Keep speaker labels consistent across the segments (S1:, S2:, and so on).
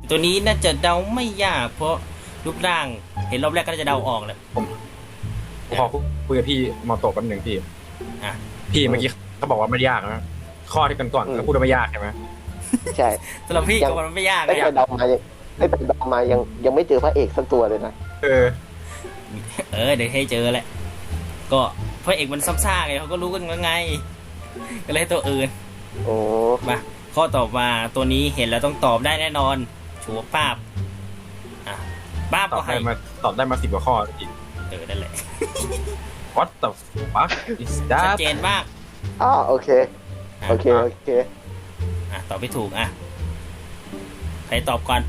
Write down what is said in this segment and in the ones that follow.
S1: ตัวนี้น่าจะเดาไม่ยากเพราะรูปร่างเห็นรอบแรกก็จะเดาออกเลย
S2: ผมขอคุยกับพี่มอโตะแป๊บหนึ่งพี่
S1: อ่ะ
S2: พี่เมื่อกี้เขาบอกว่าไม่ยากนะข้อที่กันก่อนเขาพูดว่าไม่ยากใช่ไหม
S3: ใช่
S1: สำหรับพี่ก็มันไม่ยาก
S3: ไม่
S1: นะ
S3: ไปเดามายังไม่เจอพระเอกสักตัวเลยนะ
S2: เออ
S1: เดี๋ยวให้เจอแหละก็พระเอกมันซ้ำซากไงเขาก็รู้กันว่าไงก็เลยตัวอื่น
S3: โอ้
S1: มาข้อต่อมาตัวนี้เห็นแล้วต้องตอบได้แน่นอนชัวร์ป้าบอ่ะป้าบ
S2: ตอ
S1: ก็
S2: บ
S1: ให้
S2: ได้มา10 กว่าข้ออีก
S1: นั่นแหละ
S2: What the fuck is
S1: ชัด
S2: that
S1: เจนมาก
S3: โอเค
S1: อ่ะ
S3: โอเค
S1: ตอบไม่ถูกอ่ะใครตอบก่อน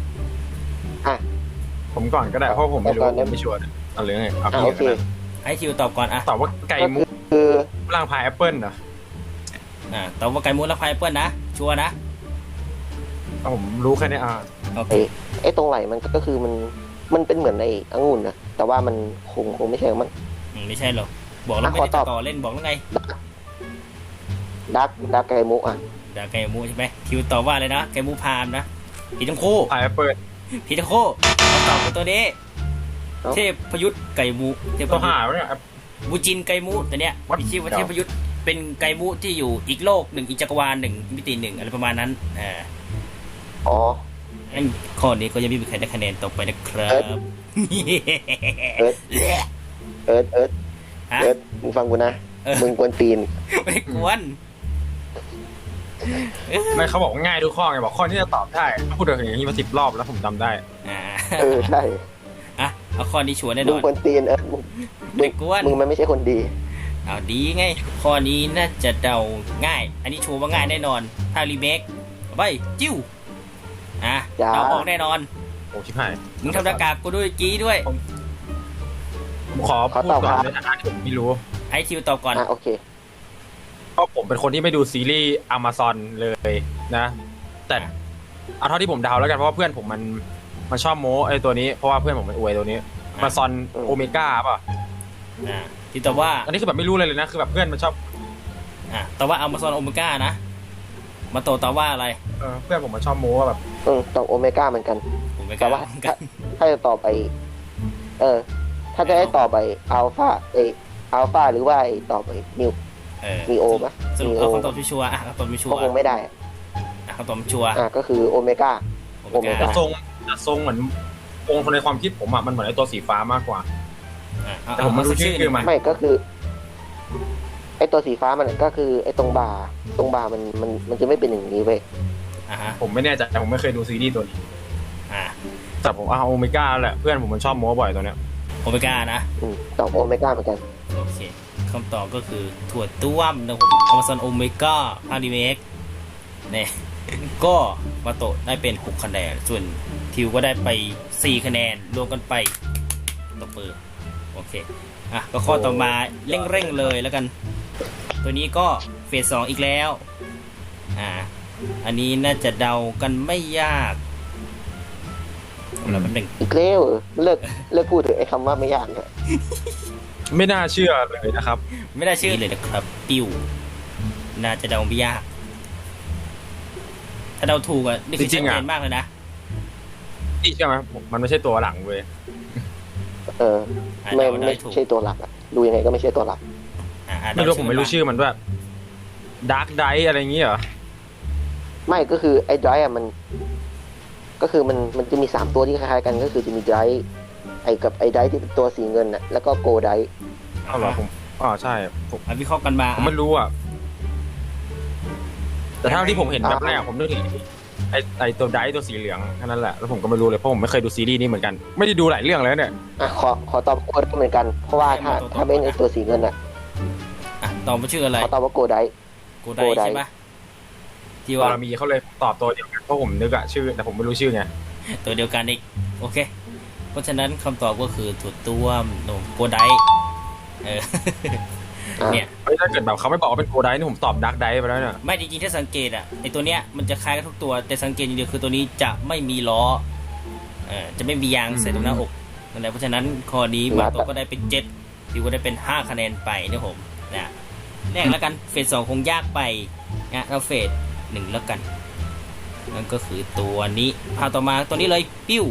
S2: ผมก่อนก็ได้เพราะผมไม่รู้ผมไม่ชัวร์เอาเลยไงเอาพี่
S3: โอเค
S2: กัน
S1: ให้ทิวตอบก่อนอ่ะ
S2: ตอบว่าไก่มุก
S3: คือ
S2: ร่างพายแอปเปิลนะ
S1: ตอบว่าไก่มูนและไพเปิลนะชัวร์นะ
S2: ผมรู้แค่นี้
S1: โอเค
S3: ไอ้ตรงไหลมันก็คือมันเป็นเหมือนในองุ่นนะแต่ว่ามันคงไม่ใช่มัน
S1: ไม่ใช่หรอกบอกแล้วไม่ได้ต่อเล่นบอกแล้วไง
S3: ดักไกมุอ่ะ
S1: เดี๋ยวไก่มูใช่ไหมทิวตอบว่าอะไรนะไก่มูพามนะผิดทั้งคู่
S2: พายแอปเปิล
S1: ผิดทั้งคู่ตอบเป็นตัวนี้เทพยุทธไก่มูเทพ
S2: ตัว
S1: ยุทธ
S2: หาวเนี่ย
S1: บูจินไก่มูแต่เนี้ย
S2: What?
S1: มีชื่อว่าเทพยุทธเป็นไก่มูที่อยู่อีกโลกหนึ่งอีกจักรวาลหนึ่งมิติหนึ่งอะไรประมาณนั้น
S3: อ๋อ
S1: งั้นข้อนี้ก็ยังไม่มีใครได้คะแนนตกไปนะครับ
S3: เอิร์ธมึงฟังกูนะมึงกวนตีน
S1: ไม่กวน
S2: ไม่เขาบอกว่าง่ายทุกข้อไงบอกข้อที่จะตอบได้พูดอย่างนี้มา10 รอบแล้วผมจำได้
S3: ใช่
S1: เอาข้อนี้ชัวร์แน่น
S3: มึ
S1: อง น
S3: กวนตีน
S1: ไม่กวน
S3: มึงมันไม่ใช่คนดี
S1: เอาดีไงข้อนี้น่าจะเดาง่าย อันนี้ชัวร์ว่าง่ายแน่นอนถ้ารีเมคไปจิ้วเดาออกแน่นอน
S2: โอ้ชิบหาย
S1: มึงทำหน้ากากกูด้วยกี้ด้วย
S2: ผมขอพูดก่อนในฐานะที่ผมไม่รู้
S1: ให้ทิวตอบก่อน
S3: โอเค
S2: เพราะผมเป็นคนที่ไม่ดูซีรีส์ Amazon เลยนะ แต่เอาเท่าที่ผมเดาแล้วกันเพราะว่าเพื่อนผมมันชอบโม้ไอ้ตัวนี้เพราะว่าเพื่อนผมมันอวยตัวนี้ Amazon Omega ป่ะ
S1: ที่ตอบว่า
S2: อันนี้คือแบบไม่รู้เลยนะคือแบบเพื่อนมันชอบ
S1: ตอบว่า Amazon Omega นะมาโตตอบว่าอะไร
S2: เพื่อนผมมันชอบโม้ว่าแบบ
S3: ตอบโอเมก้าเหมือนกัน
S1: Omega
S3: แต่ว่าถ้าจะต่อไปถ้าจะให้ต่อไปอัลฟาหรือว่าต่อไปนิโอปะ
S1: สรุปเอาคำตอบชัวร์คำตอบชัว
S3: ก็
S1: ร์
S3: คงไม่ได้
S1: คำตอบชัวร์
S3: ก็คือโอเมก้า
S2: แต่ทรงเหมือนองค์ในความคิดผมมันเหมือนไอ้ตัวสีฟ้ามากกว่าแต่ผมไม่รู้ชื่อมัน
S3: ไม่ก็คือไอตัวสีฟ้ามันก็คือไอตรงบ่ามันจะไม่เป็นอย่างนี้เว้ย
S2: ผมไม่แน่ใจผมไม่เคยดูซีรีส์ตัวนี้แต่ผมโอเมก้าแหละเพื่อนผมมันชอบโม้บ่อยตัวเนี้ย
S1: โอเมก้านะ
S3: ตอบโอเมก้าเหมือนกัน
S1: โอเคคำตอบก็คือถั่วต้วมนะผม Amazon Omega ภาครีเมคเนี่ยก็มาโตได้เป็น6คะแนนส่วนทิวก็ได้ไป4คะแนนรวมกันไปตบมือโอเคก็ข้อต่อมาเร่งเลยแล้วกันตัวนี้ก็เฟส2อีกแล้วอันนี้น่าจะเดากันไม่ยากแล้วมันหนึ่ง
S3: อีกแล้วเลิกพูดถึงไอ้คำว่าไม่ยากเลย
S2: ไม่น่าเชื่อเลยนะครับ
S1: ไม่น่าเชื่อเลยนะครับปิ้วน่าจะเดาไม่ยากถ้าเดาถูกนี่คือชัดเจนมากเลยนะ
S2: ใช่ไหมมันไม่ใช่ตัวหลังเว้ย
S3: ไม่ใช่ตัวหลักดูยังไงก็ไม่ใช่ตัวหลัก
S2: ไม่รู้ผมไม่รู้ชื่อมันด้วยดาร์กไดอะไรอย่างงี้เหรอ
S3: ไม่ก็คือไอ้ไดร์มันก็คือมันจะมี3ตัวที่คล้ายๆกันก็คือจะมีไดร์กับไอ้ไดร์ที่เป็นตัวสีเงินแล้วก็โกไดร์
S2: เหรอผมใช่ผม
S1: วิเคราะห์กันมา
S2: ผมไม่รู้แต่เท่าที่ผมเห็นแบบแรกผมนึกถึงไอ้ตัวไดร์ตัวสีเหลืองแค่นั้นแหละแล้วผมก็ไม่รู้เลยเพราะผมไม่เคยดูซีรีส์นี้เหมือนกันไม่ได้ดูหลายเรื่องเลยเนี่ย
S3: ขอตอบโกไดร์เหมือนกันเพราะว่าถ้าเป็นไอ้ตัวสีเงิน
S1: ตอบว่าชื่ออะไร
S3: ขอตอบว่าโกไดร์
S1: ใช่ปะ
S2: ที่ว่ามีเขาเลยตอบตัวเดียวกันเพราะผมนึกชื่อแต่ผมไม่รู้ชื่อไง
S1: ตัวเดียวกันอีกโอเคเพราะฉะนั้นคำตอบก็คือถั่วต้วมโกไดเนี่ย
S2: ถ้าเกิดแบบเขาไม่บอกว่าเป็นโกไดนี่ผมตอบดาร์กไดไปแล้วเนี่ย
S1: ไม่จริงๆถ้าสังเกตไอตัวเนี้ยมันจะคล้ายกันทุกตัวแต่สังเกตอย่างเดียวคือตัวนี้จะไม่มีล้อจะไม่มียางใส่ตรงหน้าอกนั่นแหละเพราะฉะนั้นข้อนี้มาตัวก็ได้เป็น7ทิวก็ได้เป็น5คะแนนไปนะผมแรกแล้วกันเฟส2คงยากไปเราเฟส1แล้วกันนั่นก็คือตัวนี้ภาพต่อมาตัวนี้เลยปิ้ว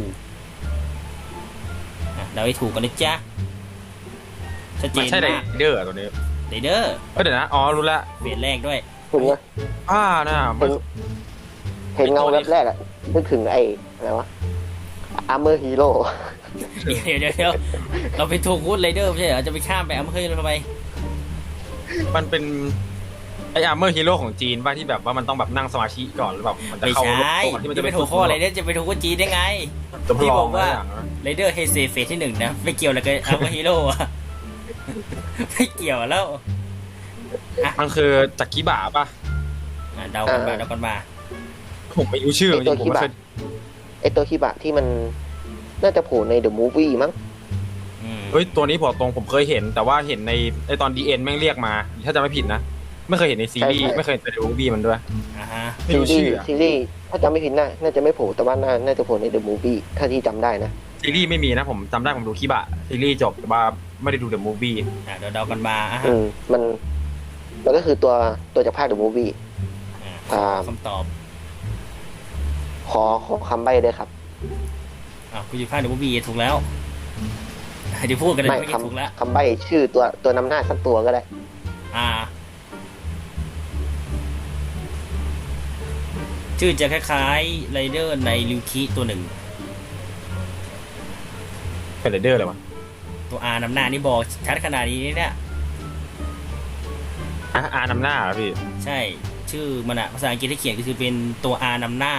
S1: เดาให้ถูกกันนะจ๊ะชัดเจ
S2: มัน
S1: น
S2: ใช่ไร
S1: มาก
S2: เดอร์ตัวนี้
S1: ไรเดอร์
S2: เดี๋ยวนะอ๋อรู้ละ
S1: เฟสแรกด้วย
S3: เห็นไหม
S2: น่ะ
S3: เห็นเงาแวบแรกอะนึกถึงไอ้อะไรวะอาร์เมอร์ฮีโร่
S1: เดี๋ยวเราไปถูกวูดไรเดอร์ไม่ใช่เหรอจะไปข้ามไปเฮ้ยเราทำไม
S2: มันเป็นไออาร์เมอร์ฮีโร่ของจีนป่ะที่แบบว่ามันต้องแบบนั่งสมาธิก่อนหรือแบบมันจะ
S1: ไม่
S2: เข้า
S1: ใช่
S2: ก่อนที่มัน
S1: จะ
S2: จะ
S1: ไป
S2: ไป
S1: ถูกข้อไรเดอร์จะไปถูกวูดจีนได้ไง
S2: จะ
S1: ที่
S2: ล
S1: บ
S2: อ
S1: อง กว่า
S2: อย่างนั้น
S1: ไรเดอร์เฮเซเฟสที่หนึ่งนะไม่เกี่ยวอะไรกับอัลเมอร์ฮีโร่อะไม่เกี่ยวแล้ว
S2: มันคือจักริบะป่ะ
S1: เดากันมา
S2: ผมไม่รู้ชื่อจริงๆผมไม่เคย
S3: ไอ้ตัวคิบะที่มันน่าจะโผล่ในเดอะมูฟวี่มั้ง
S2: เฮ้ยตัวนี้พอตรงผมเคยเห็นแต่ว่าเห็นในตอนดีเอ็นแม่งเรียกมาถ้าจะไม่ผิดนะไม่เคยเห็นในซีรีส์ไม่เคยเห็นในมูฟวี่มันด้วย
S1: อ่าฮะ
S2: ไม่รู้ชื่อ
S3: ซีรีส์ถ้าจำไม่ผิดน่าจะไม่โผล่แต่ว่าน่าจะโผล่ในเดอะมูฟวี่ถ้าที่จำได้นะ
S2: ซีรีส์ไม่มีนะผมจำได้ผมดูคิบะซีรีส์จบแต่ว่าไม่ได้ดูเดอะมูฟวี่
S1: เดี๋ยวเดากันมาอ่ะฮะ
S3: มันก็คือตัวจากภาคเดอะมูฟวี่
S1: คำตอบ
S3: ขอคำใบ้ด้วยครับ
S1: คุณอยู่ภาคเดอะมูฟวี่ถูกแล้วเดี๋ยวพูดกันเลย
S3: ไม่
S1: ไม่ถูกแล้ว
S3: คำใบ้ชื่อตัวนำหน้าสักตัวก็ได้
S1: ชื่อจะคล้ายๆไรเดอร์ในริวคิตัวหนึ่ง
S2: เป็นไรเดอร์เลยวะ
S1: ตัว R นำหน้านี่บอกชัดขนาดนี้เนี่ย
S2: อานำหน้าเหรอพี่
S1: ใช่ชื่อมันอะภาษาอังกฤษที่เขียนก็คือเป็นตัว R นำหน้า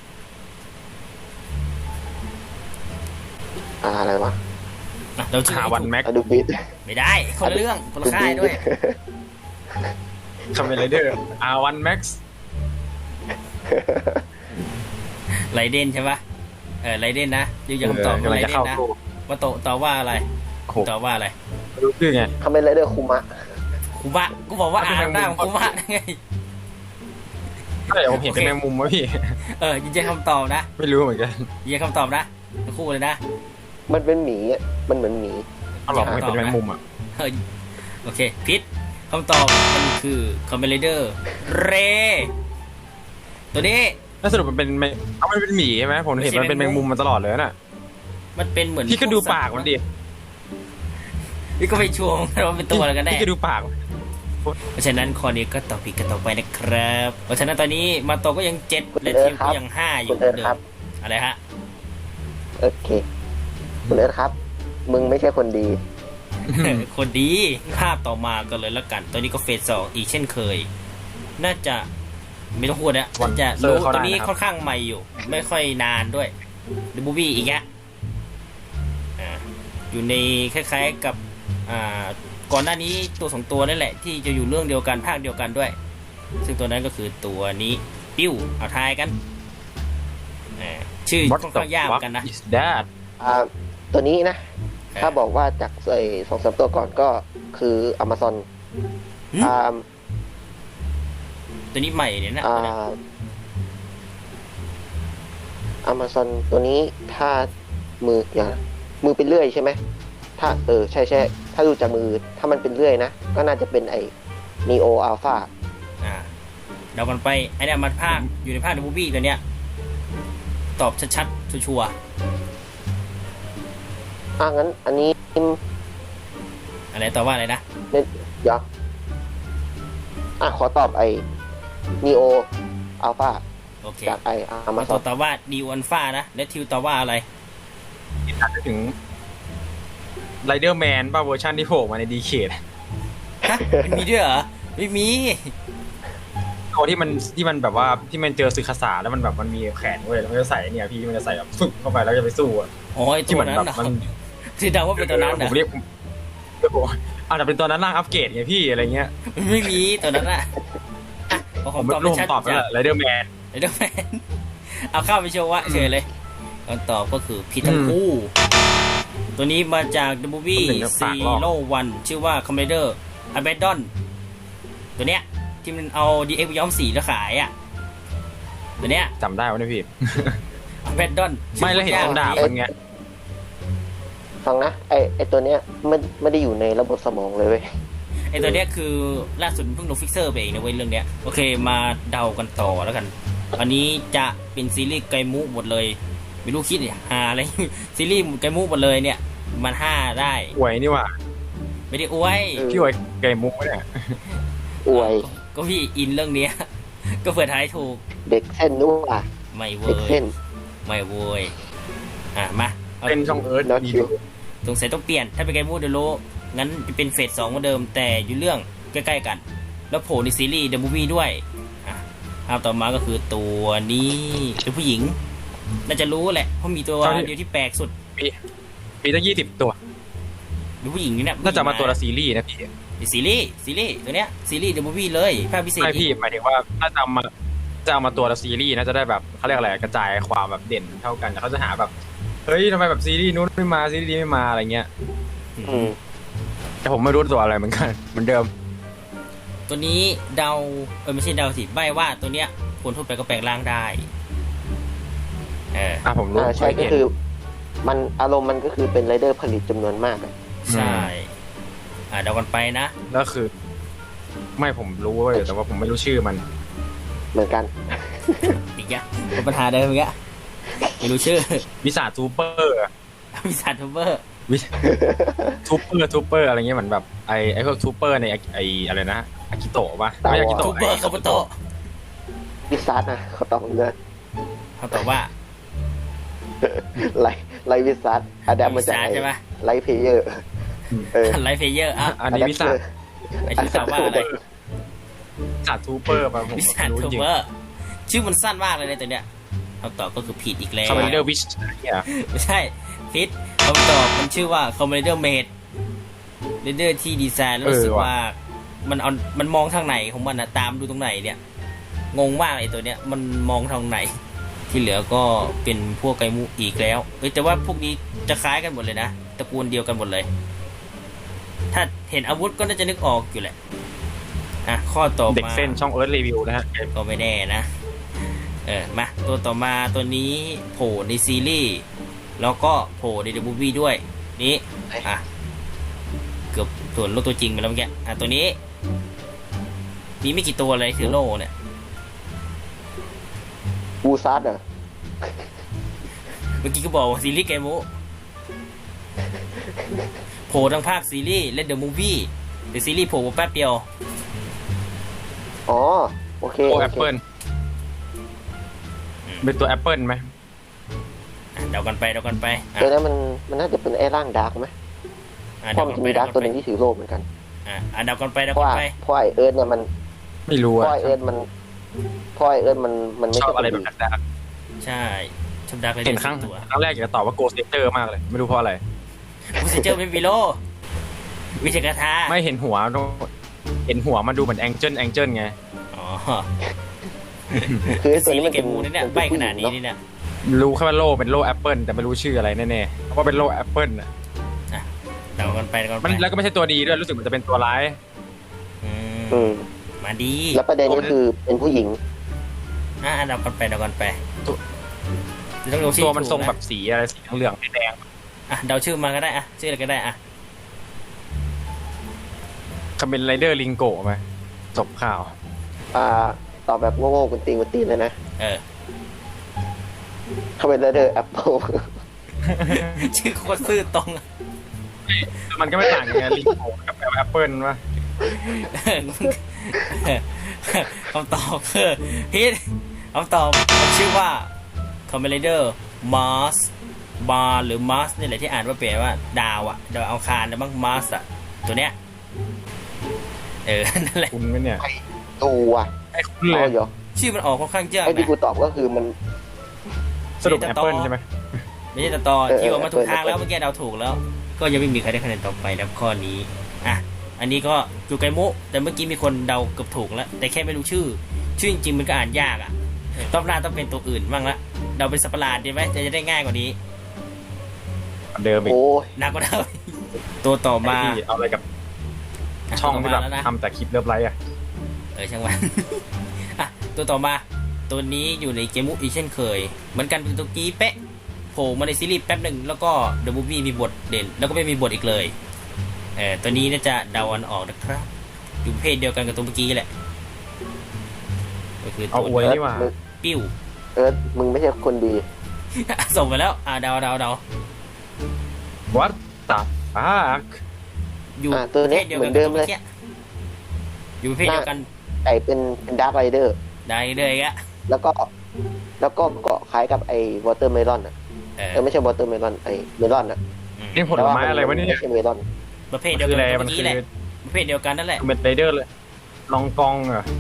S3: อะไรวะ
S1: เราชื่อ
S2: หาวันแม็ก
S3: อะดูบิด
S1: ไม่ได้คนละเรื่องคนละค่ายด้วย
S2: คำเป็นไรเดอร์วันแม็กซ์
S1: ไรเดนใช่ปะไรเดนนะยังตอบ
S2: กำลั
S1: ไรง
S2: จะ
S1: เดน
S2: เข้า
S1: นะ
S2: ตู้
S1: มาโตตอบว่าอะไร
S2: โอ้โห
S1: ตอบว่าอะไร
S2: ไม่รู้ชื่อไง
S3: คำเป็นไรเดอร์คุมะ
S1: คุมะกูบอกว่า R นำหน้าของคุมะไง
S2: ใช่ผมเห็นเป็นแมงมุมวะพี่
S1: ยืนยันคำตอบนะ
S2: ไม่รู้เหมือนกัน
S1: ยืนยันคำตอบนะทั้งคู่เลยนะ
S3: มันเป็นหมีอะมันเหมือนหมี
S2: เอาหรอกไม่เป็นแมงมุมอ่ะ
S1: โอเคพิษคำตอบมันคือคอมเมนเดอร์เรตัวนี้
S2: แล้วสรุปมันเป็นมันเป็นหมีใช่ไหมผมเห็นมันเป็นแมงมุมมาตลอดเลยน่ะ
S1: มันเป็นเหมือน
S2: พี่ก็ดูปากมันดิ
S1: พี่ก็ไปชวงว่าเป็นตัวอะไรกันแน่
S2: พี่ก็ดูปาก
S1: เพราะฉะนั้นข้อนี้ก็ตอบผิดกันต่อไปนะครับเพราะฉะนั้นตอนนี้มาโตก็ยัง7และทีมก็ยัง5อยู่
S3: คุณเอิร์ธ
S1: เดิ
S3: ครั
S1: ม
S3: บ
S1: อะไรฮะ
S3: โอเคคุณเอิร์ธครับ มึงไม่ใช่คนดี
S1: คนดีภาพต่อมากันเลยแล้วกันตัวนี้ก็เฟส2อีกเช่นเคย น่าจะไม่ต้องพูดนะน่าจะรู้ตัวนี้ค่อนข้างใหม่อยู่ ไม่ค่อยนานด้วยดูบูบี้อีกแยะอยู่ในคล้ายๆกับก่อนหน้านี้ตัว2ตัวนั่นแหละที่จะอยู่เรื่องเดียวกันภาคเดียวกันด้วย ซึ่งตัวนั้นก็คือตัวนี้ปิ้วเอาทายกันชื่อค่อนข้างยากเหมือนกันนะ
S2: Is that
S3: ตัวนี้นะ ถ้าบอกว่าจาก2-3 ตัวก่อนก็คือ Amazon
S1: ตัวนี้ใหม่เนี่ยนะ
S3: Amazon ตัวนี้ถ้ามือเป็นเลื่อยใช่ไหมถ้าใช่ถ้าดูจากมือถ้ามันเป็นเลื่อยนะก็น่าจะเป็นไอ้ Neo Alpha
S1: เดากันไปไอ้เนี่ยมันภาคอยู่ในภาคในบูบี้ตัวเนี้ยตอบชัดๆชัวร์
S3: งั้นอันนี้
S1: อะไรตอบว่าอะไรนะ
S3: เดี๋ยวขอตอบไอ้ Neo Alpha
S1: โอเค
S3: จากไอ้
S1: มาต
S3: Amazon
S1: อบว่าดีวันฟ้านะและทิวตอบว่าอะไร
S2: อาจจะถึงไรเดอร์แมนป่ะเวอร์ชันที่โผล่มาในดีเคท
S1: ฮะมันมีด้วยเหรอไม่มี
S2: ตัวที่มันแบบว่าที่มันเจอซึคาสาแล้วมันแบบมันมีแขนเว้ยแล้วมันจะใส่เนี่ยพี่มันจะใส่แบบฟึบเข้าไปแล้วจะไปสู้อ่ะ
S1: อ๋อไอ้
S2: ที่
S1: ตัว
S2: เหมือน
S1: นั้น
S2: แบบ
S1: เหรอ
S2: มัน
S1: ที่เดาว่าเป็นตัวนั้น
S2: ผ
S1: นะ
S2: มเรียกอาจจะเป็นตัวนั้นร่างอัปเกรดไงพี่อะไรเงี้ย
S1: มันไม่มีตัวนั้นอ่ะผ
S2: ผม
S1: ม
S2: ไม่
S1: ตอบ
S2: รู้
S1: ไม่
S2: ผม
S1: ชัด
S2: ตอบไป
S1: จ้ะ
S2: แล้วไรเดอร์แมน
S1: ไอ้เดอร์แมนเอาเข้าไปโชว์ว่าเฉยเลยคำตอบก็คือผิดทั้งคู่ ตัวนี้มาจาก The Movie Zero One ชื่อว่า Commander Abaddon ตัวเนี้ยที่มันเอา DX ย้อมสีแล้วขายอ่ะตัวเนี้ย
S2: จำได้ว่าเนี่ยพี่
S1: Abaddon
S2: ไม่แล้วเห็นตรงดาบมันไง
S3: ฟังนะไอ้ตัวเนี้ยไม่ได้อยู่ในระบบสมองเลยเว้ย
S1: ไอตัวเนี้ยคือล่าสุดเพิ่งลงฟิกเซอร์ไปเองนะเว้ยเรื่องเนี้ยโอเคมาเดากันต่อแล้วกันอันนี้จะเป็นซีรีส์ไกมุหมดเลย ไม่รู้คิดหาอะไร ซีรีส์ไกมุหมดเลยเนี่ย มัน5ได้
S2: อวยนี่ว่า
S1: ไม่ได้อวย
S2: พี่อวยเกมมุกเนี่ย
S3: อวย
S1: ก็พี่อินเรื่องเนี้ย ก็เผื่อทายถูก
S3: เด็กเส้นนู่นว่ะ
S1: ไม่เว
S3: เด็ก
S1: ย
S3: เส้น
S1: ไม่เวยอ่ะมาอา
S2: เป็นช่องเอิร์ธ
S3: แล้ว
S2: ดี
S3: คิว
S1: สงสัยต้องเปลี่ยน ถ้าเป็นไกมูเดโลงั้นจะเป็นเฟส 2เหมือนเดิม แต่อยู่เรื่องใกล้ๆกัน แล้วโผล่ในซีรีส์เดอะมูฟวี่ด้วยอ่ะภาพต่อมาก็คือตัวนี้เป็นผู้หญิง น่าจะรู้แหละ เพราะมีตัวเดียวที่แปลกสุด
S2: มีตั้ง20 ตัว
S1: เป็นผู้หญิงนี่นะ
S2: น่าจะมาตัวละซีรีส์นะพี่
S1: เป็นซีรีส์ตัวเนี้ยซีรีส์เดอะมูฟวี่เลยภาพพิเศษ
S2: ไม่พี่หมายถึงว่าถ้าจะเอามาตัวละซีรีส์นะจะได้แบบเขาเรียกอะไรกระจายความแบบเด่นเท่ากันแต่เขาจะหาแบบเฮ้ยทำไมแบบซีรีส์นู้นไม่มาซีรีส์นี้ไม่มาอะไรเงี้ย
S3: อืม
S2: แต่ผมไม่รู้ตัวอะไรเหมือนกันเหมือนเดิม
S1: ตัวนี้เดาไม่ใช่เดาสิใบว่าตัวเนี้ยคนทั่วไปก็แปลงร่างได้
S2: ผมรู้
S3: ใช่ก็คือ มันอารมณ์มันก็คือเป็นไรเดอร์ผลิตจำนวนมากอะ
S1: ใช่เดากันไปนะ
S2: แล้วคือ ไม่ผมรู้เว้ยแต่ว่าผมไม่รู้ชื่อมัน
S3: เหมือนกัน
S1: อีกอย่างเป็นปัญหาเดิมอีกอะไม่รู้ชื่อ
S2: วิสาทูเปอร์
S1: วิสัททูเบอร์
S2: ทูเปอร์อะไรเงี้ยเหมือนแบบไอพวกทูเปอร์ในไออะไรนะอากิโตะป่ะไม่อากิ
S1: ทู
S2: โตะ
S1: เบอร์คาบุโตะ
S3: วิซัสนะเขาตอบเลย
S1: เขาตอบว่า
S3: ไลวิซัสอะแดปมาจาก
S1: วิซัสใช่ปะ
S3: ไลเพเยอร์เออ
S1: ไลฟ์เพเยอร์อ่ะ
S2: อันนี้วิสา
S1: ไอที่ตอบว่าอะไร
S2: สาทูเปอร์ป่ะผม
S1: วิสัท
S2: รู้
S1: ทู
S2: จริง
S1: เบอร์ชื่อมันสั้นมากเลยในตัวเนี้ยคำตอบก็คือผิดอีกแล้ว
S2: คาร์เมนเดอร์วิชเนี่ย
S1: ไม่ใช่ผิดคำตอบมันชื่อว่าคอมเมดี้เมดเรเดอร์ที่ดีไซน์แล้วรู้สึกว่ามันมองทางไหนของมันนะตามดูตรงไหนเนี่ยงงมากไอตัวเนี้ยมันมองทางไหน ที่เหลือก็เป็นพวกไกมูอีกแล้วแต่ว่าพวกนี้จะคล้ายกันหมดเลยนะตระกูลเดียวกันหมดเลย ถ้าเห็นอาวุธก็น่าจะนึกออกอยู่แหละข้อต่อมา
S2: เด็กเส้นช่องเอิร์ธรีวิวนะฮะ
S1: ก็ไม่แน่นะมาตัวต่อมาตัวนี้โผล่ในซีรีส์แล้วก็โผล่ในเดอะมูฟวี่ด้วยนี้เกือบส่วนโลกตัวจริงไปแล้วเมื่อกี้ตัวนี้มีไม่กี่ตัวเลยถือโล่เนี่ย
S3: บูซัสเหรอ
S1: เมื่อกี้ก็บอกว่าซีรีส์ไกมูโผล่ทั้งภาคซีรีส์และเดอะมูฟวี่แต่ซีรีส์โผล่มาแป๊บเดียว
S3: อ๋อโอเค
S2: โอ
S3: โอ
S2: แอป
S3: เค
S2: เปิลเป็นตัวแอปเปิลไหม
S1: เดากันไป
S3: เดี๋ยวนะมันน่าจะเป็นไอ้ร่างดาร์กไหมเพราะมันจะมีดาร์กตัวหนึ่งที่ถือโล่เหมือนกัน
S1: เดากันไป
S3: เพราะว่าไอเอิร์ธเนี่ยมัน
S2: ไม่รู้
S3: เพ
S2: อะ
S3: ราะไอเอิร์ธมันไม่
S2: ชอบ
S3: ใช่
S2: อะไร
S3: คน
S2: แบบ
S3: ดี
S2: นั้น
S1: ใช่ชอบดักเลย
S2: เห็นครั้ง
S1: ตัว
S2: แรกอยากจะตอบว่าโกสเตอร์มากเลย ไม่รู้เพราะอะไร
S1: มูสิเจอร์ไม่มีโลวิชากาธา
S2: ไม่เห็นหัวมันดูเหมือนแองเจิลไง
S1: อ๋อ
S3: คือไอ้ตัว
S1: ซี
S3: นี้
S1: รี
S3: มัน
S1: ส์เกมมูนี่เนี่ยใบขนาดนี้นี่เนี่ย
S2: รู้แค่ว่าโล่เป็นโล่แอปเปิลแต่ไม่รู้ชื่ออะไรแน่ๆว่าเป็นโล่แอปเปิลอะ
S1: เดากันไป
S2: มันแล้วก็ไม่ใช่ตัวดีด้วยรู้สึกมันจะเป็นตัวร้าย
S3: อืม
S1: มาดี
S3: แล้วประเด็นก็คือเป็นผู้หญิง
S1: เดากันไปต้องดูชื่อ
S2: ตัวมันทรง
S1: ถูกะ
S2: แบบสีอะไรสีเหลืองๆแดง
S1: เดาชื่อมาก็ได้ชื่ออะไรก็ได้
S2: คาเมนไรเดอร์ลิงโกะไหมจบข่าว
S3: ตอบแบบโง่ๆกุนตีนเลยนะเขาเป็นไรเดอร์แอปเปิล
S1: ชื่อโคตรซื่อตรง
S2: มันก็ไม่ต่างกันไงลิงโกะกับแอปเปิลวะ
S1: คำตอบคือพิษคำตอบชื่อว่าคอมเมดี้เดอร์มาร์สบาร์หรือมาร์สนี่แหละที่อ่านว่าเปลี่ยนว่าดาวดาวอังคารนะบ้างมาร์สตัวเนี้ยนั่นแหละ
S2: คุณไหมเนี่ย
S3: ตัว
S2: ไอ้คุณเลย
S3: เอาเหรอ
S1: ชื่อมันออกค่อนข้างยาก
S3: ไอ้ที่
S1: นะ
S3: กูตอบก็คือมัน
S2: สรุปแอปเปิลใช่ไหม
S1: ไม่ใช่ต่อที่ออกมาถูกทางแล้ว
S3: เออ
S1: เมื่อกี้เราถูกแล้ว ก็ยังไม่มีใครได้คะแนนต่อไปแล้วข้อนี้อันนี้ก็จูไกมุแต่เมื่อกี้มีคนเดาเกือบถูกแล้ว แต่แค่ไม่รู้ชื่อจริงๆมันก็อ่านยากรอบหน้าต้องเป็นตัวอื่นบ้างละเดาเป็นสัตว์ประหลาดดีไหมจะได้ง่ายกว่านี้
S2: เดิมอีก
S3: โอ้ย
S1: หนักกว่าเดิมตัวต่อมา
S2: ไอ้ที่เอาอะไรกับช่องที่แบบ
S1: แล้วนะ
S2: ทำแต่คลิปเลิฟไลฟ์อะ
S1: ช่างมัน ตัวต่อมาตัวนี้อยู่ในเกมมุกอีกเช่นเคยเหมือนกันเป็นตัวกี้เป๊ะโผล่มาในซีรีส์แป๊บหนึ่งแล้วก็เดอะมูฟวี่มีบทเด่นแล้วก็ไม่มีบทอีกเลยตัวนี้น่าจะเดาอันออกนะครับอยู่ประเพศเดียวกันกับตัวเมื่อกี้แหละก็คือ
S2: เอา
S1: ตัว
S2: อวยนี่หว่า
S1: ปิ้ว
S3: มึงไม่ใช่คนดี
S1: ส่งไปแล้วเดา
S2: What the fuck
S1: อยู่
S3: ตัว
S1: ประเภ
S3: เนี้ย
S1: ทเดียว
S3: เหมื
S1: กั
S3: อน นเดิมเลย
S1: อยู่ประเภทเดียวกัน
S3: เป็นดาร์กไรเดอร์
S1: ได้เลยอะ
S3: แล้วก็เกาะคล้ายกับไอ้วอเตอร์เมลอนอ่ะ ไม่ใช่วอเตอร์เมลอนไอ้เมลอนอ่ะ
S2: นี่ผลไม้อะไรวะเนี่ย
S3: ไม่ใช่เมลอน
S1: ประเภทเดียว
S2: คือ
S1: กั
S2: อะไร
S1: น
S2: มัน
S1: เมื่อ
S2: คื
S1: กี้
S2: อ
S1: แหละประเภทเดียวกันนั่นแหละ
S2: เมดไรเดอร์เลยลองกองเหรอ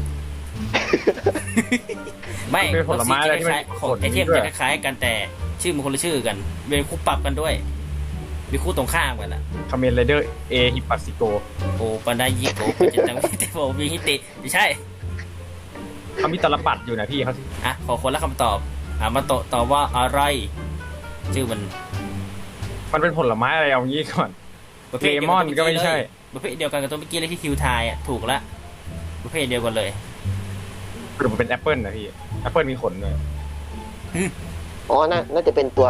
S1: ไม่
S2: เป็นผลไม้อะไรที่มัน
S1: ของไอเทม
S2: ด้วย
S1: จะคล้ายๆกันแต่ชื่อมันคนละชื่อกันเป็นคู่ปรับกันด้วยมีคู่ตรงข้ามกันอ่ะ
S2: คาเมนไรเดอร์เอฮิปัสซิโก
S1: โอปันไดยิโกปัจจิตังวิเตโฟวิฮิติไม่ใช่
S2: เขามีตลปัดอยู่นะพี่เขา
S1: อ่ะขอคนละคำตอบมาตอบว่าอะไร ชื่อมัน
S2: มันเป็นผลไม้อะไรเอางี้ก่อน
S1: ประเภทเดียว
S2: เลมอนก็ไม่ใช่
S1: ประเภทเดียวกันกับตัวเมื่อกี้เลยที่คิวทายอ่ะถูกละประเภทเดียวกันเลย
S2: หรือมันเป็นแอปเปิลนะพี่แอปเปิลมีขนเลย
S3: อ๋อน่าจะเป็นตัว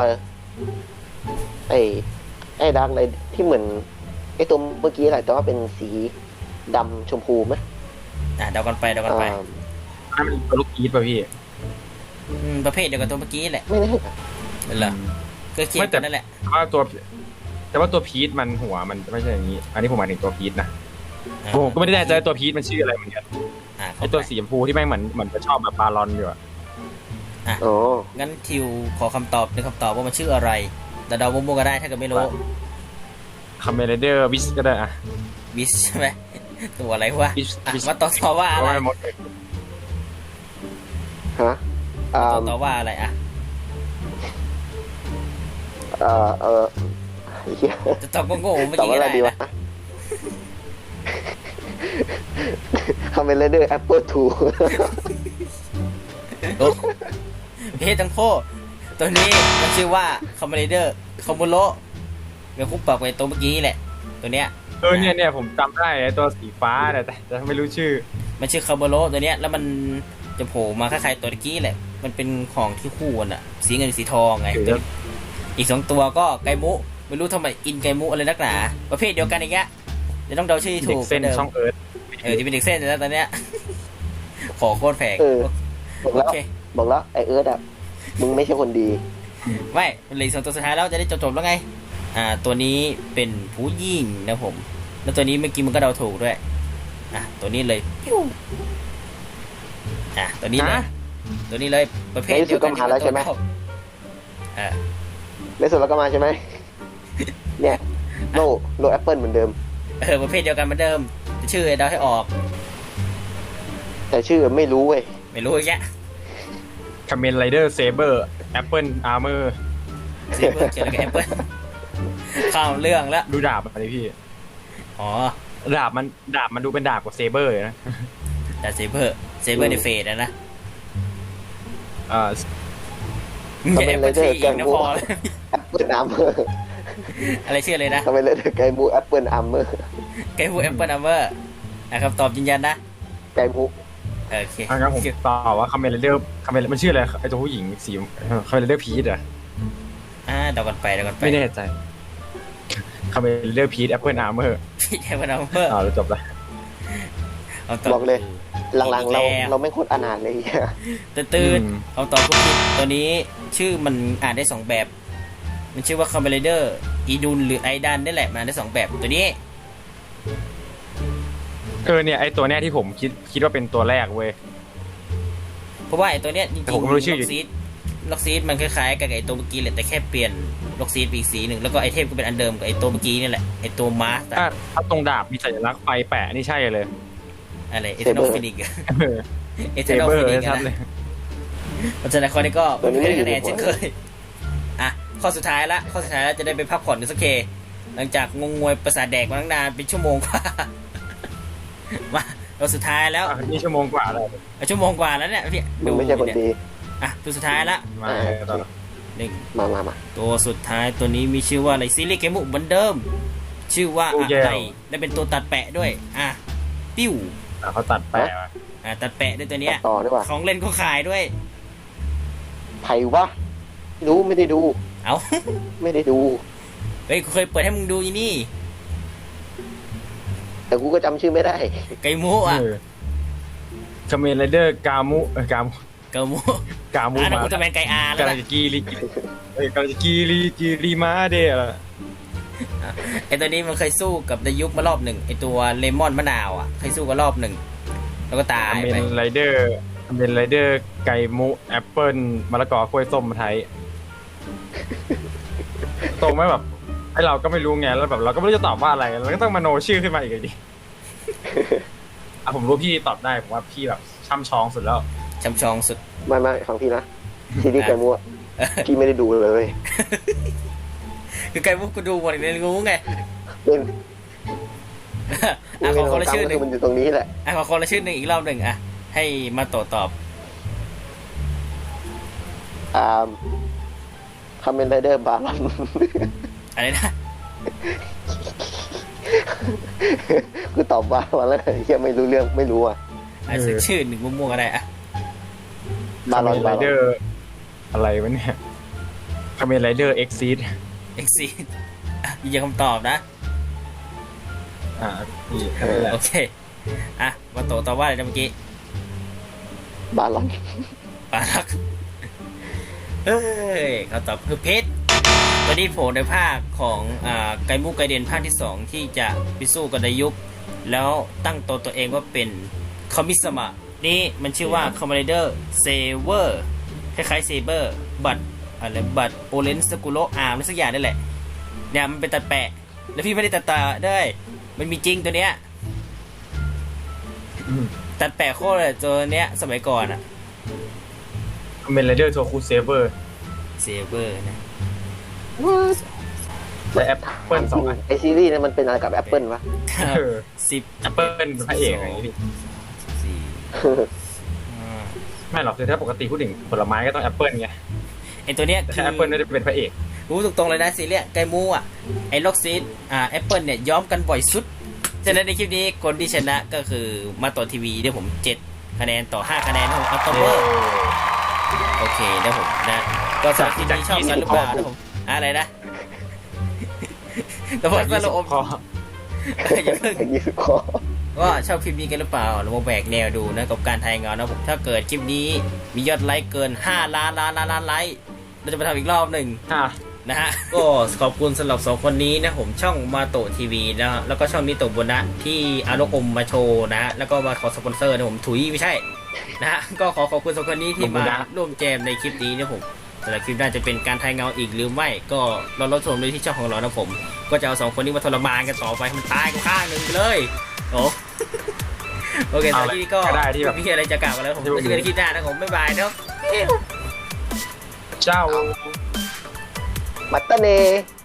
S3: ไอ้ดาร์กไรที่เหมือนไอ้ตัวเมื่อกี้แหละแต่ว่าเป็นสีดำชมพูไหม
S1: เดากันไป
S3: อ่า
S2: นั่นมันตัวลูกอีทป่ะพี่
S1: ประเภทเดียวกับตัวเมื่อกี้แหละ
S3: ไม่แน่
S1: เหรอก็เคียงกันนั่นแหละ
S2: แต่ว่าตัวพีทมันหัวมันไม่ใช่อย่างนี้ อันนี้ผมหมายถึงตัวพีทนะผมก็ไม่ได้แน่ใจตัวพีทมันชื่ออะไรเหมือนกันไอตัวสีชมพูที่แม่งเหมือนจะชอบแบบปลาลอนอยู่อะ
S3: อ๋อ
S1: งั้นทิวขอคำตอบหนึ่งคำตอบว่ามันชื่ออะไรแต่เดามั่วๆก็ได้ถ้าเกิดไม่รู้
S2: คาเมนไรเดอร์วิสก็ได้อะ
S1: บิสใช่ไหมตัวอะไรวะ
S2: Bish
S1: มาตอบว่าอะไร
S2: ว่าหมด
S3: ฮะ
S1: ตอบว่าอะไรอ่ะ
S3: เหี้ย
S1: จะตอบโง่ๆเมื่อ
S3: ตอบ
S1: กี้
S3: ว่า
S1: ก็
S3: อะไร
S1: ได้
S3: ดีวะ
S1: นะ
S3: คาเมนไรเดอร์แอปเปิลทู
S1: เพศทั้งโคตัวนี้มันชื่อว่าคอมเมเดอร์คอมโบโลเป็นคู่ปรับกับตัวเมื่อกี้แหละตัวเนี้ย
S2: เนี่ยผมจำได้ไอตัวสีฟ้าแต่ไม่รู้ชื่อ
S1: มันชื่อคาร์โบโลตัวเนี้ยแล้วมันจะโผล่มาคล้ายๆตัวเมื่อกี้แหละมันเป็นของที่คู่กันอะสีเงินสีทองไง
S2: ถือ
S1: ตัวอีก2ตัวก็ไกมุไม่รู้ทำไมอินไกมุอะไรนักหนาประเภทเดียวกันอย่างเงี้ยจะต้องเดาชื่อที่
S2: เด็
S1: ถู
S2: ก
S1: ก
S2: เส้น
S1: หมืดิม
S2: ช่องเอิร์ธ
S1: จะเป็นเด็กเส้นแล้วตอนเนี้ย ขอโคตรแพง
S3: บอก
S1: โอ
S3: แล้ว
S1: เค
S3: ไอเอิร์ธอะมึงไม่ใช่คนดี
S1: ไม่เหลือ2ตัวสุดท้ายแล้วจะได้จบๆแล้วไงตัวนี้เป็นผู้หญิงนะผมแล้วตัวนี้เมื่อกี้มันก็เดาถูกด้วยตัวนี้เลยปิ้วตัวนี้เลย
S2: นะ
S1: ตัวนี้เลยประเภทเดียวกัน
S3: ในที่สุดก็มาแล้วใช่ไหม
S1: อ่า
S3: ในสุดแล้วก็มาใช่ไหม เนี่ยโลแอปเปิลเหมือนเดิม
S1: ประเภทเดียวกันเหมือนเดิมแต่ชื่อเดาให้ออก
S3: แต่ชื่อไม่รู้เว้ย
S1: ไม่รู้อีกแยะ
S2: คาเมนไรเดอร์เซเบอร์แอปเปิลอาร์เมอร์
S1: เซเบอร์เกี่ยวกับแอปเปิลข้ามเรื่องแล้ว
S2: ดูดาบอะไรพี่
S1: อ๋อ
S2: ดาบมันดูเป็นดาบกว่าเซเบอร์นะ
S1: แต่เซเบอร์ในเฟสนะ
S3: คาเมนไรเดอร์
S1: อี
S3: แก
S1: ก
S3: ง
S1: นะ
S3: บู
S1: พอ
S3: แอปเปิลอาร์เมอร์
S1: อะไรชื่ออะไรนะ
S3: คาเมนไรเดอร์ไกบูแอปเปิลอาร์เมอร์
S1: ไกฮูแอปเปิลอัมเบอร์คำตอบยืนยันนะ
S3: ไกบู
S1: โอเค
S2: งั้นผมตอบว่าคาเมนไรเดอร์มันชื่ออะไรไอตัวผู้หญิงสีคาเมนไรเดอร์พีทอะ
S1: เดากันไป
S2: ไม่แน่ใจคาเมนไรเดอร์พีทแอปเปิลอาร์เมอร์
S1: พี่แอปเปิลอัมเบอร์
S2: แล้วจบละ
S3: บอกเลย หลังๆเราไม่โคตรอนาถเลยเหี้ย
S1: ตื่นคำตอบผิดตัวนี้ชื่อมันอ่านได้2แบบมันชื่อว่าคอมเบเลเดอร์อีดุนหรือไอดันนี่แหละมันอ่านได้2แบบตัวนี้
S2: เนี่ยไอตัวเนี้ยที่ผมคิดว่าเป็นตัวแรกเว้ย
S1: เพราะว่าไอตัวเนี้ยจริง
S2: แต่ผมไม่รู้ชื่ออยู่
S1: ล็อกซีดมันคล้ายๆกับไอตัวเมื่อกี้แหละแต่แค่เปลี่ยนล็อกซีดไปอีกสีหนึ่งแล้วก็ไอเทมก็เป็นอันเดิมกับไอตัวเมื่อกี้นี่แหละไอตัวมาส
S2: ถ้าตรงดาบมีสัญลักษณ์ไฟแปะนี่ใช่เลย
S1: อะไรเอเทนอลฟินิกเอเท
S2: เซ
S1: นอล
S2: เบอ
S1: ฟิ
S2: ร์
S1: นิก
S2: ชัด
S1: นะ
S2: เลย
S1: เพราะฉะนั้นข้อนี้ก็ไม่ได้คะแนนเช่นเคยข้อสุดท้ายละจะได้ไปพักผ่อนกันสักเคหลังจากงงงวยประสาทแดกมาตั้งนานเป็นชั่วโมงกว่ามาเราสุดท้ายแล้ว
S2: นี่ชั่วโมงกว่าแล้ว
S1: ชั่วโมงกว่าแล้วเนี่ยพี่
S3: มึงไม่ใช่คนดี
S1: ตัวสุดท้ายละ
S2: มาต่อ
S1: หนึ่ง
S3: มา
S1: ตัวสุดท้ายตัวนี้มีชื่อว่าอะไรซีรีส์เกมบุเหมือนเดิม ชื่อว่าอะไรและเป็นตัวตัดแปะด้วยปิ้ว
S2: เขาตัดแปะ
S1: ตัดแปะด้วยตัวเนี้ย
S3: ต่อดีกว่า
S1: ของเล่นก็ขายด้วย
S3: ไผ่วะรู้ไม่ได้ดู
S1: เอา
S3: ไม่ได้ดู
S1: เฮ้ยกูเคยเปิดให้มึงดูอีนี่
S3: แต่กูก็จำชื่อไม่ได้
S1: ไก่มู
S2: คาเมนไรเดอร์กามุ
S1: เกามู
S2: กามู
S1: อันนั้น
S2: มา
S1: อุลตร้าแมนไกอาร์แล้ว
S2: กำลั
S1: นะ
S2: งจะกีรีกำลังจะกีรีมาเดะ
S1: ไอตัวนี้มันเคยสู้กับดายุกมารอบหนึ่งไอตัวเลมอนมะนาวอ่ะเคยสู้กันรอบหนึ่งแล้วก็ตาย
S2: เป็
S1: ไป
S2: นไรเดอร์เป็นไรเดอร์ไก่มุแอปเปิลมะละกอกล้วยส้มมาไทยตรงไหมแบบไอเราก็ไม่รู้ไงแล้วแบบเราก็ไม่รู้จะตอบว่าอะไรเราก็ต้องมโนชื่อขึ้นมาอีกเลยดิ ผมรู้พี่ตอบได้ผมว่าพี่แบบช่ำชองสุดแล้ว
S1: ช้ำชองสุด
S3: ไม่ฟังพี่นะซีรีส์ไก่มัวพี่ไม่ได้ดูเลย
S1: คือไกมุกกูดูหมดเลยงูไง
S3: เป็น
S1: อ่ะขอคนละชื่อหนึ่ง
S3: มันอยู่ตรงนี้แหละ
S1: อ่ะขอคนละชื่อหนึ่งอีกรอบหนึ่งอ่ะให้มาโตตอบ
S3: คาเมนไรเดอร์บาลอน
S1: อะไรนะ
S3: คือตอบบาลอนแล้วยังไม่รู้เรื่องไม่รู้อ่ะ
S1: อ่ะสักชื่อหนึ่งมั่วๆก็ได้อ่ะ
S3: บาลอน
S2: ไรเดอร์อะไรวะเนี่ยคาเมนไรเดอร์เอ็กซีด
S1: เอ็กซียืนยันคำตอบนะ
S2: นี่แค่นั้นแหละ
S1: โอเคอ่ะมาโตตอบว่าอะไรนะเมื่อกี้
S3: บาลอน
S1: ปาลักเฮ้ยเขาตอบคือเพชรวันนี้โผล่ในภาคของไกมุกไกเดนภาคที่ 2 ที่จะไปสู้กับดายุกแล้วตั้งตัวเองว่าเป็นคอมิสมะนี่มันชื่อว่าคอมมานเดอร์เซเวอร์คล้ายๆเซเบอร์บัตอะไรบัตโอเลนสกุโลอาร์มสักอย่างนี่แหละเนี่ยมันเป็นตัดแปะแล้วพี่ไม่ได้ตัดตาด้วยมันมีจริงตัวเนี้ยตัดแปะโคตรเลยตัวเนี้ยสมัยก่อนอะ
S2: คาเมนไรเดอร์โทคูเซเวอร์
S1: เซเบอร์นะ
S2: และแอปเปิลสองอัน
S3: ไอซีรีส์เนี่ยมันเป็นอะไรกับแอปเปิลวะ
S1: สิบ
S2: แอปเปิลเป็นพระเอกอะไรอย่างงี้พี่
S1: สี่
S2: ไม่หรอกคือถ้าปกติพูดถึงผลไม้ก็ต้องแอปเปิลไง
S1: ไอตัวเนี้ย
S2: แต่
S1: คือ
S2: แอปเปิลไม่ได้เป็นพระเอก
S1: รู้ตรงๆเลยนะซีเรียสไกมูอ่ะไอล็อกซีดแอปเปิลเนี่ยย้อมกันบ่อยสุดฉะนั้นในคลิปนี้คนที่ชนะก็คือมาต่อทีวีเดี๋ยวผม7คะแนนต่อ5คะแนนของอัลตเบอร์โอเคเดี๋ยวผมนะก็สำหรับคลิปนี้ชอบกันหรือเปล่านะผมอะไรนะแต่พอสรุปอม
S2: พอ
S1: อย่าเพิ่ง
S3: อย่างนี้คอ
S1: ว่าชอบคลิปนี้กันหรือเปล่าเรามาแบกแนวดูนะกับการทายเงานะผมถ้าเกิดคลิปนี้มียอดไลค์เกิน5 ล้านไลค์เราจะไปทำอีกรอบหนึ่งนะฮะ ก็ขอบคุณสำหรับ2คนนี้นะผมช่องมาโตทีวีนะฮะแล้วก็ช่องนิโตะโบนะที่อารมอมมาโชว์นะฮะแล้วก็มาขอสปอนเซอร์นะผมถุยไม่ใช่นะฮะก็ขอบคุณ2คนนี้ที่มาร่วมแจมในคลิปนี้นะผมแต่ละคลิปน่าจะเป็นการทายเงาอีกหรือไม่ก็รอรับชมด้วยที่ช่องของเรานะผมก็จะเอา2คนนี้มาทรมานกันต่อไปให้มันตายกันข้างหนึ่งไปเลยโอ้โอเคตอนนี้ก็
S2: ได้ที่แบบ
S1: มีอะไรจะกล่าวกันแล้วผมจะเจอกันในคลิปหน้านะผมบ๊ายบายเนาะ
S2: เจ้า
S3: มัตตาเน